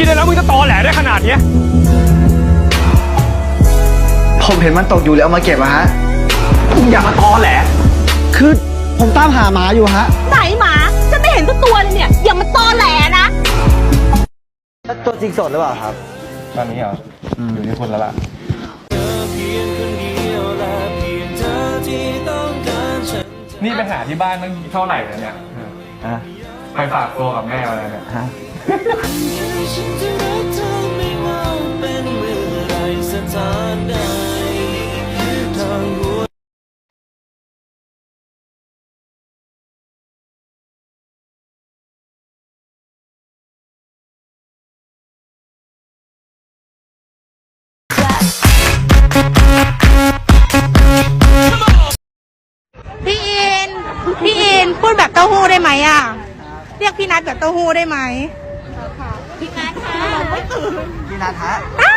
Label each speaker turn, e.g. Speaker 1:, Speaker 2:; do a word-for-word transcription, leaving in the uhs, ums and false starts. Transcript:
Speaker 1: กินแล้วมึงจะตอแหลได้ขนาดนี้
Speaker 2: ผมเห็นมันตกอยู่แล้วเอามาเก็บอะฮะ
Speaker 1: มึงอย่ามาตอแหล
Speaker 2: คือผมตามหาหมาอยู่ฮะ
Speaker 3: ไหนหมาจะไม่เห็นสักตัวเลยเนี่ยอย่ามาตอแหลนะ
Speaker 2: ตัวจริงสดหรือเปล่าครับ
Speaker 1: ตอนนี้เหรออยู่ที่คุณแล้วล่ะนี่ไปหาที่บ้านตั้งเท่าไหร่แล้วเนี่ยไปฝากตัวกับแม่อะไรเนี่ย
Speaker 3: พี่อินพี่อินพูดแบบเต้าหู้ได้ไหมอ่ะเรียกพี่นัทแบบเต้าหู้ได้ไหมพี่นัทค่ะ
Speaker 2: พี่นัทฮะ